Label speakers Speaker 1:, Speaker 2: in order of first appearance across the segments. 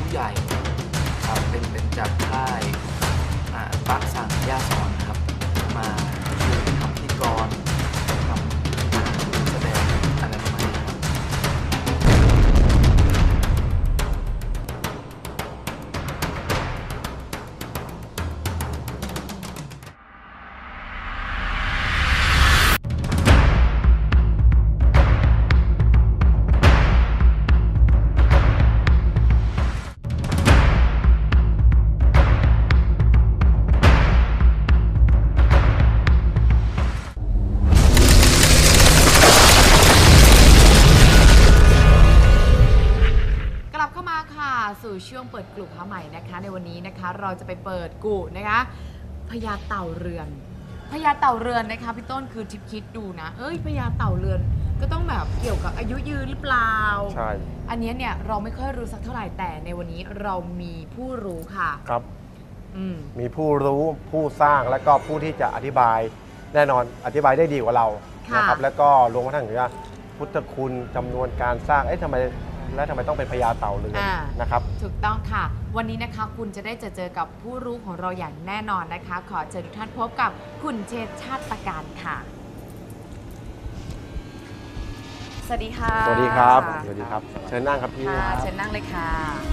Speaker 1: ผู้ใหญ่ครับเป็นจากค่ายปักสังย่าสอนครับมาช่วยทำพิธีกรทำแสดงอะไรประมาณนี้ครับ
Speaker 2: กลับเข้ามาค่ะสู่ช่วงเปิดกลุ่มพระใหม่นะคะในวันนี้นะคะเราจะไปเปิดกุนะคะพญาเต่าเรือนพญาเต่าเรือนนะคะพี่ต้นคือทิพย์คิดดูนะพญาเต่าเรือนก็ต้องแบบเกี่ยวกับอายุยืนหรือเปล่า
Speaker 3: ใช่
Speaker 2: อันนี้เนี่ยเราไม่ค่อยรู้สักเท่าไหร่แต่ในวันนี้เรามีผู้รู้ค่ะ
Speaker 3: ครับ
Speaker 2: ม
Speaker 3: มีผู้รู้ผู้สร้างและก็ผู้ที่จะอธิบายแน่นอนอธิบายได้ดีกว่าเรานะครับแล้วก็รวมกระทั่งถึงว่าพุทธคุณจำนวนการสร้างทำไมต้องเป็นพญาเต่าเรือนนะครับ
Speaker 2: ถูกต้องค่ะวันนี้นะคะคุณจะได้เจอกับผู้รู้ของเราอย่างแน่นอนนะคะขอเชิญทุกท่านพบกับคุณเชษฐ์ชาติประการค่ะสวัสดีค่ะ
Speaker 3: สวัสดีครับสวัสดีครับเชิญนั่งครับพี่
Speaker 2: ค่ะเชิญนั่งเลยค่ะ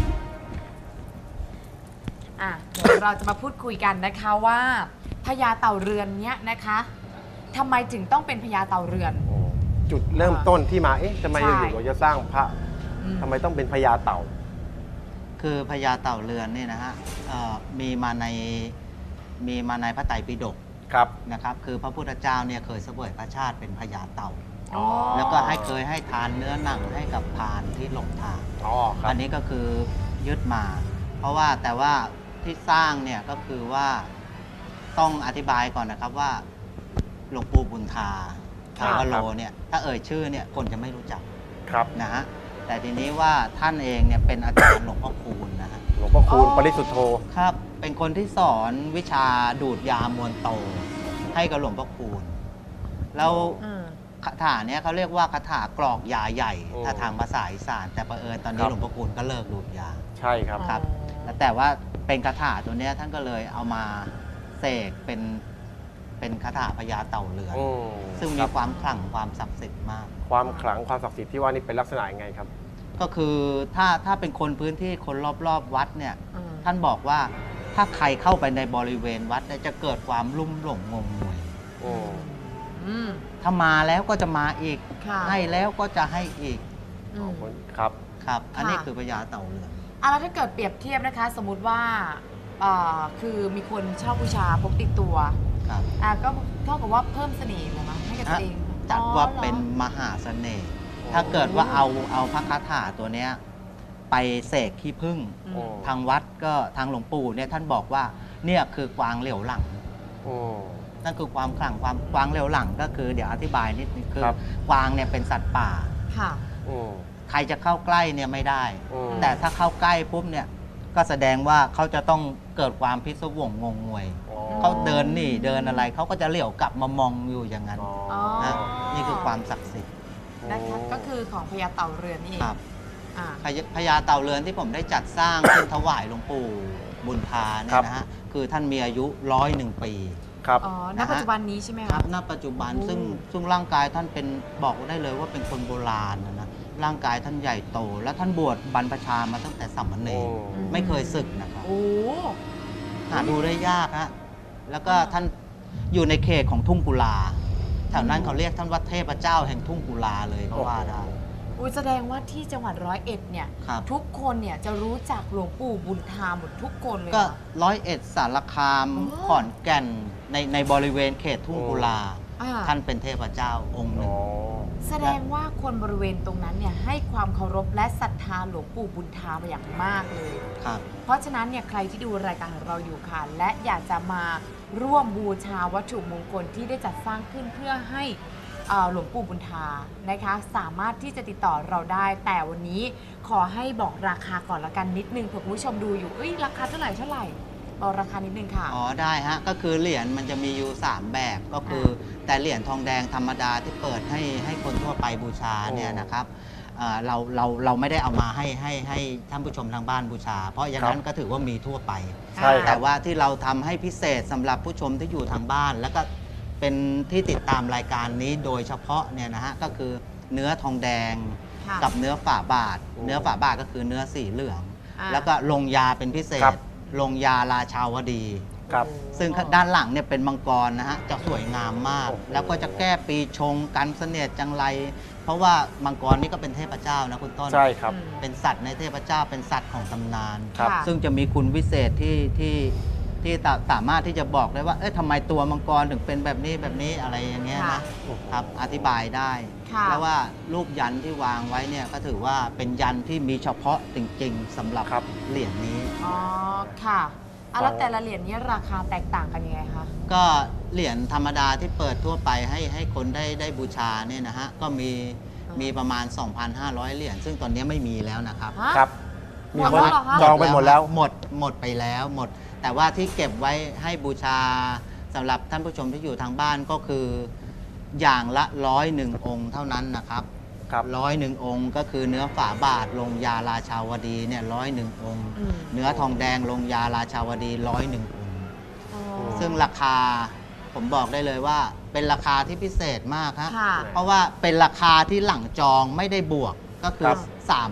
Speaker 2: เดี๋ยวเราจะมาพูดคุยกันนะคะว่าพญาเต่าเรือนเนี้ยนะคะทำไมถึงต้องเป็นพญาเต่าเรือน
Speaker 3: จุดเริ่มต้นที่มาทำไมอยู่เราจะสร้างพระทำไมต้องเป็นพญาเต่า
Speaker 4: คือพญาเต่าเรือนนี่นะฮะมีมาในพระไตรปิฎก
Speaker 3: ครับ
Speaker 4: นะครับคือพระพุทธเจ้าเนี่ยเคยเสวยพระชาติเป็นพญาเต่าแล้วก็เคยให้ทานเนื้อหนังให้กับพรานที่หลงทางอันนี้ก็คือยึดมาเพราะว่าแต่ว่าที่สร้างเนี่ยก็คือว่าต้องอธิบายก่อนนะครับว่าหลวงปู่บุญธาถาวโรเนี่ยถ้าเอ่ยชื่อเนี่ยคนจะไม่รู้จัก
Speaker 3: ครับ
Speaker 4: นะฮะแต่ทีนี้ว่าท่านเองเนี่ยเป็นอาจารย์หลวงพ่อคูณนะฮะ
Speaker 3: หลวงพ่อคูณปริสุทธโธ
Speaker 4: ครับเป็นคนที่สอนวิชาดูดยามวลโตให้กับหลวงพ่อคูณแล้วคาถาเนี้ยเขาเรียกว่าคาถากรอกยาใหญ่ถ้าทางภาษาอีสานแต่ประเอิญตอนนี้หลวงพ่อคูณก็เลิกดูดยา
Speaker 3: ใช่ครับ
Speaker 4: ครับแต่ว่าเป็นคาถาตัวเนี้ยท่านก็เลยเอามาเสกเป็นคาถาพญาเต่าเรือนซึ่งมีความขลังความศักดิ์สิทธิ์มาก
Speaker 3: ความขลังความศักดิ์สิทธิ์ที่ว่านี่เป็นลักษณะยังไงครับ
Speaker 4: ก็คือถ้าเป็นคนพื้นที่คนรอบวัดเนี่ยท่านบอกว่าถ้าใครเข้าไปในบริเวณวัดจะเกิดความลุ่มหลงงมงวยถ้ามาแล้วก็จะมาอีกให้แล้วก็จะให้อีก
Speaker 3: ครับ
Speaker 4: ครับอันนี้คือพญาเต่าเรือน
Speaker 2: แล้วถ้าเกิดเปรียบเทียบนะคะสมมุติว่าคือมีคนชอบบูชาพกติดตัวก็เท่ากับว่าเพิ่มเสน่ห์เลยมั้ยให้กับตัวเอง
Speaker 4: จัดว่าเป็นมหาเสน่ห์ถ้าเกิดว่าเอาพระคาถาตัวเนี้ยไปเสกขี้ผึ้งทางวัดก็ทางหลวงปู่เนี่ยท่านบอกว่าเนี่ยคือกวางเหลียวหลังนั่นคือความขลังความกวางเหลียวหลังก็คือเดี๋ยวอธิบายนิดนึงคือกวางเนี่ยเป็นสัตว์ป่าใครจะเข้าใกล้เนี่ยไม่ได้แต่ถ้าเข้าใกล้ปุ๊บเนี่ยก็แสดงว่าเขาจะต้องเกิดความพิศวงงงงวยเขาเดินหนีเดินอะไรเขาก็จะเหลียวกลับมามองอยู่อย่างนั้นนะนี่คือความศักดิ์สิทธิ์
Speaker 2: นะคะก็คือของพญาเต่าเรือนนี่เอง
Speaker 4: พญาเต่าเรือนที่ผมได้จัดสร้างขึ้นถวายหลวงปู่บุญธาเนี่ยนะฮะคือท่านมีอายุ101 ปี
Speaker 3: ครับ
Speaker 2: ณปัจจุบันนี้ใช่ไหม
Speaker 4: ครับณปัจจุบันซึ่งร่างกายท่านเป็นบอกได้เลยว่าเป็นคนโบราณนะร่างกายท่านใหญ่โตและท่านบวชบรรพชามาตั้งแต่สามเณรไม่เคยศึกนะครับหาดูได้ยากฮะแล้วก็ท่านอยู่ในเขตของทุ่งกุลาแถวนั้นเขาเรียกท่านว่าเทพเจ้าแห่งทุ่งกุลาเลยก็ว่าได้
Speaker 2: แสดงว่าที่จังหวัด101เนี่ยทุกคนเนี่ยจะรู้จักหลวงปู่บุญธาหมดทุกคนเลย
Speaker 4: ก็101สารคามขอนแก่นในบริเวณเขตทุ่งกุลาท่านเป็นเทพเจ้าองค์หนึ่ง
Speaker 2: แสดงว่าคนบริเวณตรงนั้นเนี่ยให้ความเคารพและศรัทธาหลวงปู่บุญธาอย่างมากเลยเพราะฉะนั้นเนี่ยใครที่ดูรายการของเราอยู่ค่ะและอยากจะมาร่วมบูชาวัตถุมงคลที่ได้จัดสร้างขึ้นเพื่อให้หลวงปู่บุญธานะคะสามารถที่จะติดต่อเราได้แต่วันนี้ขอให้บอกราคาก่อนละกันนิดนึงเผื่อคุณผู้ชมดูอยู่ราคาเท่าไหร่บอกราคานิดนึงค่ะ
Speaker 4: ได้ฮะก็คือเหรียญมันจะมีอยู่3แบบก็คือแต่เหรียญทองแดงธรรมดาที่เปิดให้คนทั่วไปบูชาเนี่ยนะครับเราไม่ได้เอามาให้ท่านผู้ชมทางบ้านบูชา เพราะอย่างนั้นก็ถือว่ามีทั่วไป
Speaker 3: ใช่ครั
Speaker 4: แต่
Speaker 3: บ
Speaker 4: ว่าที่เราทำให้พิเศษสำหรับผู้ชมที่อยู่ทางบ้าน แล้วก็เป็นที่ติดตามรายการนี้โดยเฉพาะเนี่ยนะฮะก็คือเนื้อทองแดง
Speaker 2: ค่ะ
Speaker 4: กับเนื้อฝ่าบาท
Speaker 3: โอ้
Speaker 4: เนื้อฝ่าบาทก็คือเนื้อสีเหลือง
Speaker 2: อ่า
Speaker 4: แล้วก็ลงยาเป็นพิเศ
Speaker 3: ครั
Speaker 4: ษ
Speaker 3: บ
Speaker 4: ลงยาราชาวดี
Speaker 3: ครับ
Speaker 4: ซึ่งด้านหลังเนี่ยเป็นมังกรนะฮะจะสวยงามมาก
Speaker 3: โอ้โห
Speaker 4: แล้วก็จะแก้ปีชงกันเสนียดจังไร เพราะว่ามังกรนี่ก็เป็นเทพเจ้านะคุณต้น
Speaker 3: ใช่ครับ
Speaker 4: เป็นสัตว์ในเทพเจ้าเป็นสัตว์ของตำนาน
Speaker 3: ครับ
Speaker 2: ค่ะ
Speaker 4: ซึ่งจะมีคุณวิเศษที่สามารถที่จะบอกได้ว่าเอ๊ะทำไมตัวมังกรถึงเป็นแบบนี้อะไรอย่างเงี้ย
Speaker 2: ค่ะ
Speaker 4: นะครับอธิบายได้
Speaker 2: ค่ะ
Speaker 4: แล้วว่ารูปยันที่วางไว้เนี่ยก็ถือว่าเป็นยันที่มีเฉพาะจริงๆสำหรับ
Speaker 3: ครับ
Speaker 4: เหรียญนี้
Speaker 2: อ๋อค่ะแล้วแต่ละเหรียญนี้ราคาแตกต่างกันยังไงคะ
Speaker 4: ก็เหรียญธรรมดาที่เปิดทั่วไปให้คนได้บูชาเนี่ยนะฮะก็มีประมาณ 2,500 เหรียญซึ่งตอนนี้ไม่มีแล้วนะครับ
Speaker 2: ฮะ
Speaker 3: ครับ
Speaker 2: หมดแล้วเหรอคะ
Speaker 3: จองไปหมดแล้ว
Speaker 4: หมดไปแล้วหมด แต่ว่าที่เก็บไว้ให้บูชาสำหรับท่านผู้ชมที่อยู่ทางบ้านก็คืออย่างละ101 องค์เท่านั้นนะครับ
Speaker 3: ครับ
Speaker 4: 101 องค์ก็คือเนื้อฝาบาทลงยาราชาวดีเนี่ย101 องค์
Speaker 2: อืม
Speaker 4: เนื้อทองแดงลงยาราชาวดี101 องค์
Speaker 2: อ๋อ
Speaker 4: ซึ่งราคาผมบอกได้เลยว่าเป็นราคาที่พิเศษมากฮะ
Speaker 2: ค่ะ
Speaker 4: เพราะว่าเป็นราคาที่หลังจองไม่ได้บวกก็คื
Speaker 3: ค
Speaker 4: อ
Speaker 3: รับ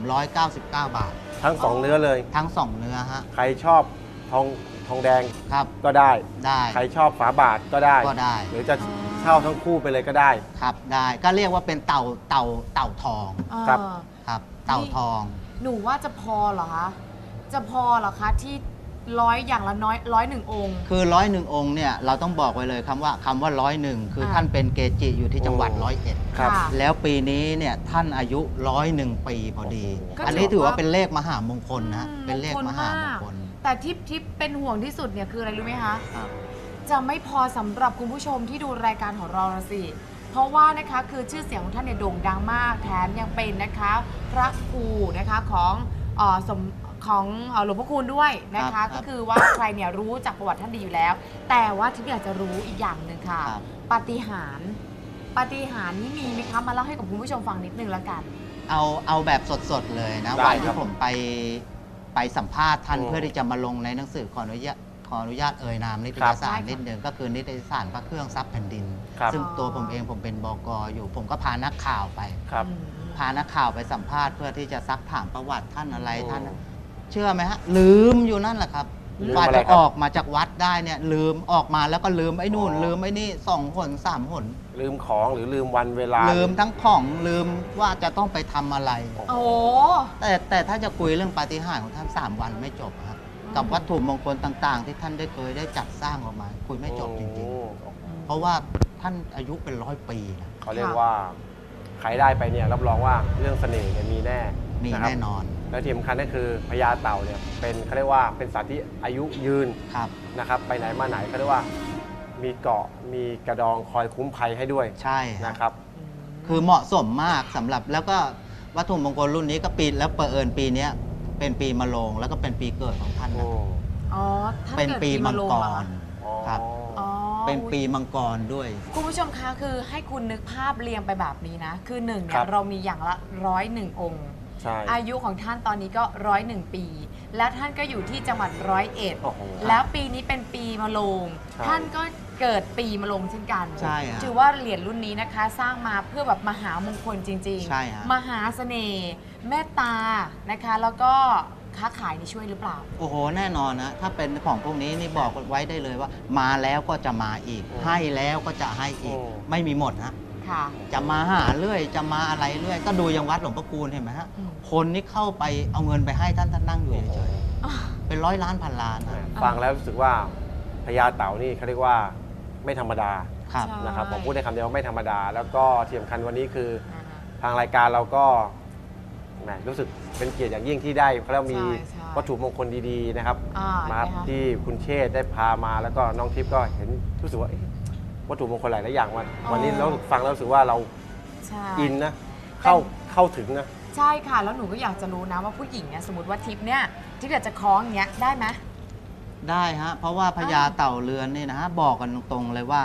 Speaker 4: 399 บาท
Speaker 3: ทั้งสองเนื้อเลย
Speaker 4: ทั้ง 2 เนื้อฮะ
Speaker 3: ใครชอบทองแดง
Speaker 4: ครับ
Speaker 3: ก็ได้
Speaker 4: ได้
Speaker 3: ใครชอบฝาบาทก็ได้
Speaker 4: ก็ได้
Speaker 3: หรือจะเช่าทั้งคู่ไปเลยก็ได้
Speaker 4: ครับได้ก็เรียกว่าเป็นเต่าทอง
Speaker 3: ครับ
Speaker 4: ครับเต่าทอง
Speaker 2: หนูว่าจะพอเหรอคะ จะพอเหรอคะที่อย่างละ101 องค์
Speaker 4: คือ101 องค์เนี่ยเราต้องบอกไว้เลยคำว่า101 คือท่านเป็นเกจิอยู่ที่จังหวัด101
Speaker 3: ครับ
Speaker 2: ค่ะ
Speaker 4: แล้วปีนี้เนี่ยท่านอายุ101 ปีพอดี
Speaker 2: ก็
Speaker 4: อันนี้ถือว่า
Speaker 2: ถือว่า
Speaker 4: เป็นเลขมหามงคลนะ
Speaker 2: อืม
Speaker 4: เป็นเลขมหามงคล
Speaker 2: แต่ที่เป็นห่วงที่สุดเนี่ยคืออะไรรู้ไหมคะ
Speaker 4: ครับ
Speaker 2: จะไม่พอสำหรับคุณผู้ชมที่ดูรายการของเรานะสิ เพราะว่านะคะคือชื่อเสียงของท่านเนี่ยโด่งดังมากแถมยังเป็นนะคะพระครูนะคะของหลวงพ่อคูณด้วยนะ
Speaker 4: ครั
Speaker 2: คะ
Speaker 4: บ
Speaker 2: ก็คือว่าใครเนี่ยรู้จักประวัติท่านดีอยู่แล้ว แต่ว่าที่อยากจะรู้อีกอย่างหนึ่งค่ะ
Speaker 4: ครับ
Speaker 2: ปาฏิหาริย์นี่มีไหมคะมาเล่าให้กับคุณผู้ชมฟังนิดนึงแล้วกัน
Speaker 4: เอาแบบสดๆเลยนะ
Speaker 3: ได้
Speaker 4: วัน
Speaker 3: ครั
Speaker 4: ที่
Speaker 3: บ
Speaker 4: ผมไปสัมภาษณ์ท่าน
Speaker 3: โอ้
Speaker 4: เพื่อที่จะมาลงในหนังสือขออนุญาตเอ่ยนามนิต
Speaker 3: ครั
Speaker 4: ย
Speaker 3: บ
Speaker 4: สาร
Speaker 2: ได้ค่ะ
Speaker 4: นิดหนึ่งก็คือนิตยสารพระเครื่องทรัพย์แผ่นดิน
Speaker 3: ครับ
Speaker 4: ซึ่งตัวผมเองผมเป็นบก.อยู่ ผมก็พานักข่าวไป
Speaker 3: ครับ
Speaker 2: อืม
Speaker 4: พานักข่าวไปสัมภาษณ์เพื่อที่จะซักถามประวัติท่านอะไร
Speaker 3: โอ้
Speaker 4: ท่าน เชื่อไหมฮะ ลืมอยู่นั่นแหละครับ
Speaker 3: ลืม
Speaker 4: กว่า
Speaker 3: อะไร
Speaker 4: จะ
Speaker 3: ครับ
Speaker 4: ออกมาจากวัดได้เนี่ยลืมออกมาแล้วก็ลืมไอ้นู่น ลืมไอ้นี่2 หน 3 หน
Speaker 3: ลืมของหรือลืมวันเวลา
Speaker 4: ลืมทั้งของลืมว่าจะต้องไปทำอะไร
Speaker 2: โอ้
Speaker 4: แต่ถ้าจะคุยเรื่องปาฏิหาริย์ของท่าน 3 วันไม่จบครับกับวัตถุมงคลต่างๆ ที่ท่านเคยได้จัดสร้างออกมา คุยไม่จบจริงๆ เพราะว่าท่านอายุเป็น100 ปีนะ
Speaker 3: เขาเรียกว่าใครได้ไปเนี่ยรับรองว่าเรื่องเสน่ห์เนี่ยมีแน่
Speaker 4: มี
Speaker 3: ะครับ
Speaker 4: แน่นอน
Speaker 3: และที่สำคัญก็คือพญาเต่าเนี่ยเป็นเขาเรียกว่าเป็นสัตว์ที่อายุยืน
Speaker 4: ครับ
Speaker 3: นะครับไปไหนมาไหนเขาเรียกว่ามีเกราะมีกระดองคอยคุ้มภัยให้ด้วย
Speaker 4: ใช่ฮะ
Speaker 3: นะครับ
Speaker 4: คือเหมาะสมมากสำหรับแล้วก็วัตถุมงคลรุ่นนี้ก็ปีแล้วเอิญปีเนี้ยเป็นปีมะโรงแล้วก็เป็นปีเกิดของท่านนะ
Speaker 2: อ๋อท่าน
Speaker 4: เป็น
Speaker 2: กิด
Speaker 4: ปีมัง
Speaker 2: โร
Speaker 4: ก
Speaker 2: เหอ
Speaker 4: ร
Speaker 2: คะ
Speaker 4: ครับ
Speaker 2: อ๋อ
Speaker 4: เป็นปีมังกรด้วย
Speaker 2: คุณผู้ชมคะคือให้คุณนึกภาพเรียงไปแบบนี้นะ คือหนึ่งเนี่
Speaker 3: ครั
Speaker 2: ย
Speaker 3: บ
Speaker 2: เรามีอย่างละ101 องค์
Speaker 3: ใช่
Speaker 2: อายุของท่านตอนนี้ก็101 ปี แล้วท่านก็อยู่ที่จังหวัด101
Speaker 3: โอ้โห
Speaker 2: แล้วปีนี้เป็นปีมะโรง
Speaker 3: ใช่
Speaker 2: ท่านก็เกิดปีมะโรงเช่นกัน
Speaker 4: ใช่ฮะ
Speaker 2: ถือว่าเหรียญรุ่นนี้นะคะ สร้างมาเพื่อแบบมหามงคลจริง
Speaker 4: ใช่ฮะ
Speaker 2: มหาเสน่ห์เมตตานะคะ แล้วก็ค้าขายนี่ช่วยหรือเปล่า
Speaker 4: โอ้โหแน่นอนนะถ้าเป็นของพวกนี้นี่บอกไว้ได้เลยว่า มาแล้วก็จะมาอีก
Speaker 3: อืม
Speaker 4: ให้แล้วก็จะให้อีก
Speaker 3: อืม
Speaker 4: ไม่มีหมดนะ
Speaker 2: ค่ะ
Speaker 4: จะมาหาเรื่อยจะมาอะไรเรื่อยก็ดูอยังวัดหลวงพ่อคูณเห็นไหมฮะ
Speaker 2: อืม
Speaker 4: คนนี่เข้าไปเอาเงินไปให้ท่านนั่งอยู่เฉยๆเป็น100 ล้านพันล้านนะ
Speaker 3: ฟังแล้วรู้สึกว่าพญาเต่านี่เขาเรียกว่าไม่ธรรมดา
Speaker 4: ครับ
Speaker 2: ใช่
Speaker 3: นะครับผมพูดได้คำเดียวว่าไม่ธรรมดา แล้วก็ที่สำคัญวันนี้คือ
Speaker 2: อ่าฮะ
Speaker 3: ทางรายการเราก็แหมรู้สึกเป็นเกียรติอย่างยิ่งที่ได้เขาเรียกว่ามี
Speaker 2: ใช่
Speaker 3: วัตถุมงคลดีๆนะครับ มา
Speaker 2: เห็นไหคะ
Speaker 3: ที่คุณเชษฐ์ได้พามาแล้วก็น้องทิพย์ก็เห็นรู้สึกว่าเอ๊ะวัตถุมงคลหลายๆอย่างมา
Speaker 2: อ๋อ
Speaker 3: วันนี้เราฟังแล้วรู้สึกว่าเรา
Speaker 2: ใช่
Speaker 3: อินนะเข้าถึงนะ
Speaker 2: ใช่ค่ะ แล้วหนูก็อยากจะรู้นะว่าผู้หญิงเนี่ยสมมติว่าทิปเนี่ยทิปอยากจะคล้องอย่างเงี้ยได้ไหม
Speaker 4: ได้ฮะเพราะว่าพญาเต่าเรือนนี่นะฮะบอกกันตรงๆเลยว่า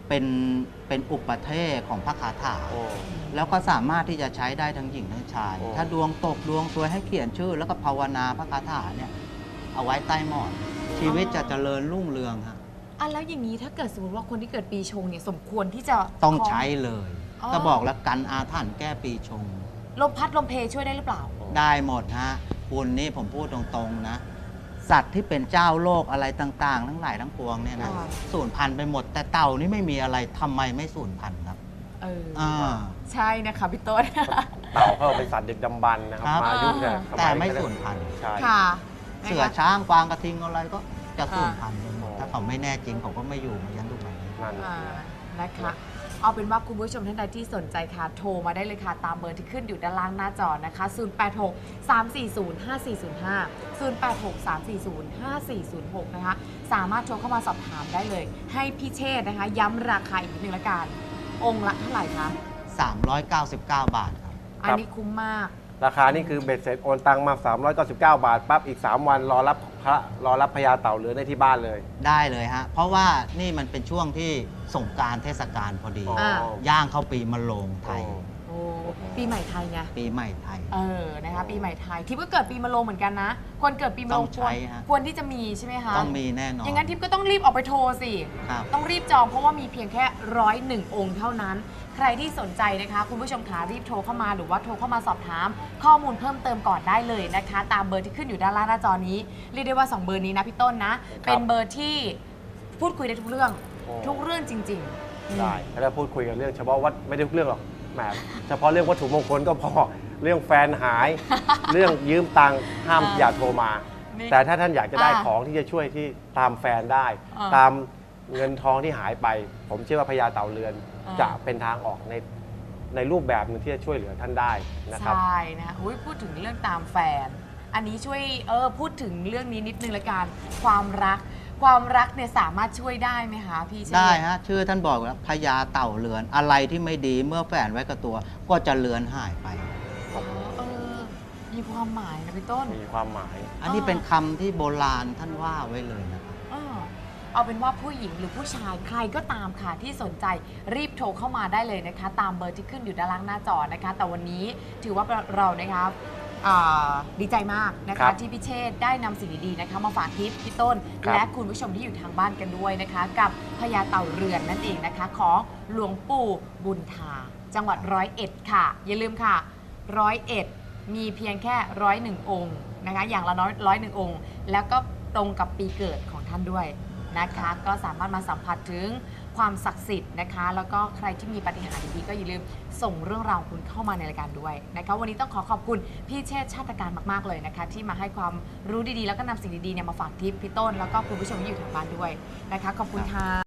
Speaker 4: เป็นอุปเทศของพระคาถา
Speaker 3: โอ้
Speaker 4: แล้วก็สามารถที่จะใช้ได้ทั้งหญิงทั้งชาย
Speaker 3: โอ้
Speaker 4: ถ้าดวงตกดวงซวยให้เขียนชื่อ แล้วก็ภาวนาพระคาถาเนี่ยเอาไว้ใต้หมอนชีวิตจะเจริญรุ่งเรืองฮะ
Speaker 2: อ่ะแล้วอย่างนี้ถ้าเกิดสมมติว่าคนที่เกิดปีชงเนี่ยสมควรที่จะ
Speaker 4: ต้องใช้เลย
Speaker 2: อ๋อ
Speaker 4: ก็บอกแล้วกันอาถรรพ์แก้ปีชง
Speaker 2: ลมพัดลมเพช่วยได้หรือเปล่า
Speaker 4: ได้หมดฮะคุณนี่ผมพูดตรงๆนะ สัตว์ที่เป็นเจ้าโลกอะไรต่างๆ ทั้งหลายทั้งปวงเนี่ยนะ
Speaker 2: ค่ะ
Speaker 4: สูญพันธุ์ไปหมด แต่เต่านี่ไม่มีอะไรทำไมไม่สูญพันธุ์ครับ
Speaker 2: เออ
Speaker 4: อ่า
Speaker 2: ใช่นะคะพี่ต้น
Speaker 3: เต่าเขาเป็นสัตว์ดึกดำบรรพ์นะครับ
Speaker 4: ครับ
Speaker 3: มายุคเนี่ยส
Speaker 4: แต่
Speaker 3: ย
Speaker 4: ไม่สูญพันธุ์
Speaker 3: ใช่
Speaker 2: ค่ะ
Speaker 4: เสือช้างกวางกระทิงอะไรก็จะสูญพันธุ์ไปหมด
Speaker 3: อ่า
Speaker 4: ถ้าเขาไม่แน่จริงเขาก็ไม่อยู่มายันทุกวันนี้
Speaker 3: นั่น
Speaker 2: อ่านะคะเอาเป็นว่าคุณผู้ชมท่านใดที่สนใจค่ะโทรมาได้เลยค่ะตามเบอร์ที่ขึ้นอยู่ด้านล่างหน้าจอนะคะ 086 340 5405 086 340 5406 นะคะสามารถโทรเข้ามาสอบถามได้เลย ให้พี่เชษฐ์นะคะ ย้ำราคาอีกนิดนึงละกัน องค์ละเท่าไหร่คะ
Speaker 4: 399 บาทครับ
Speaker 2: อันนี้คุ้มมาก
Speaker 3: ราคานี่คือเบ็ดเสร็จโอนตังมา 399 บาทปั๊บอีก 3 วันรอรับพญาเต่าเรือนได้ที่บ้านเลย
Speaker 4: ได้เลยฮะ เพราะว่านี่มันเป็นช่วงที่สงกรานต์เทศกาลพอดี
Speaker 3: อ๋อ
Speaker 2: อ่า
Speaker 4: ย่างเข้าปีมะโรงไทย
Speaker 2: โอ้ปีใหม่ไทยไง
Speaker 4: ปีใหม่ไทย
Speaker 2: นะคะปีใหม่ไทยทิพย์ก็เกิดปีมะโรงเหมือนกันนะ คนเกิดปีมะโรง
Speaker 4: ต้องใช้ฮะ
Speaker 2: ควรที่จะมีใช่ไหมคะ
Speaker 4: ต้องมีแน่นอน
Speaker 2: อย่างนั้นทิพย์ก็ต้องรีบออกไปโทรสิ
Speaker 4: ครับ
Speaker 2: ต้องรีบจองเพราะว่ามีเพียงแค่101 องค์เท่านั้น ใครที่สนใจนะคะ คุณผู้ชมขารีบโทรเข้ามาหรือว่าโทรเข้ามาสอบถาม ข้อมูลเพิ่มเติมก่อนได้เลยนะคะ ตามเบอร์ที่ขึ้นอยู่ด้านล่างหน้าจอนี้เรียกได้ว่า 2 เบอร์นี้นะพี่ต้นนะ เป็นเบอร์ที่พูดคุยได้ทุกเรื่อง
Speaker 3: โอ้
Speaker 2: ทุกเรื่องจริงๆ
Speaker 3: ได้แล้วพูดคุยกันเรื่องเฉพาะวัดไม่ได้ทุกเรื่องหรอกแหมเฉพาะเรื่องวัตถุมงคลก็พอ เรื่องแฟนหาย เรื่องยืมตังค์ห้ามอย่าโทรมา
Speaker 2: นี่
Speaker 3: แต่ถ้าท่านอยากจะได้
Speaker 2: อ่า
Speaker 3: ของที่จะช่วยที่ตามแฟนได้
Speaker 2: อ่า
Speaker 3: ตามเงินทองที่หายไป ผมเชื่อว่าพญาเต่าเรือน
Speaker 2: อ่า
Speaker 3: จะเป็นทางออกในรูปแบบหนึงที่จะช่วยเหลือท่านได้นะครับ
Speaker 2: ใช่นะคะอุ๊ยพูดถึงเรื่องตามแฟน อันนี้ช่วยพูดถึงเรื่องนี้นิดนึงละกันความรักเนี่ยสามารถช่วยได้ไหมคะพี่เชษฐ์
Speaker 4: ได้ฮะ ชื่อท่านบอกแล้วพญาเต่าเรือน อะไรที่ไม่ดีเมื่อแฝงไว้กับตัว ก็จะเลือนหายไป
Speaker 2: อ๋อมีความหมายนะพี่ต้น
Speaker 3: มีความหมาย
Speaker 4: อันนี้เป็นคำที่โบราณท่านว่าไว้เลยนะครับ
Speaker 2: เอาเป็นว่าผู้หญิงหรือผู้ชายใครก็ตามค่ะที่สนใจรีบโทรเข้ามาได้เลยนะคะ ตามเบอร์ที่ขึ้นอยู่ด้านล่างหน้าจอนะคะ แต่วันนี้ถือว่าเรานะคะดีใจมากนะ
Speaker 3: ครั
Speaker 2: คะ
Speaker 3: บ
Speaker 2: ที่พี่เชษฐ์ได้นำสิ่งดีๆนะคะมาฝากทิพย์พี่ต้น
Speaker 3: ครับ
Speaker 2: และคุณผู้ชมที่อยู่ทางบ้านกันด้วยนะคะ กับพญาเต่าเรือนนั่นเองนะคะ ของหลวงปู่บุญธาจังหวัด101ค่ะ อย่าลืมค่ะ101มีเพียงแค่101 องค์นะคะ อย่างละน้อย101 องค์ แล้วก็ตรงกับปีเกิดของท่านด้วยนะคะ ก็สามารถมาสัมผัสถึงความศักดิ์สิทธิ์นะคะ แล้วก็ใครที่มีปาฏิหาริย์ดีๆก็อย่าลืมส่งเรื่องราวของคุณเข้ามาในรายการด้วยนะคะ วันนี้ต้องขอบคุณพี่เชษฐ์ชาติการมากๆเลยนะคะ ที่มาให้ความรู้ดีๆ แล้วก็นำสิ่งดีๆเนี่ยมาฝากทิพย์พี่ต้น แล้วก็คุณผู้ชมที่อยู่ทางบ้านด้วยนะคะ ขอบคุณค่ะ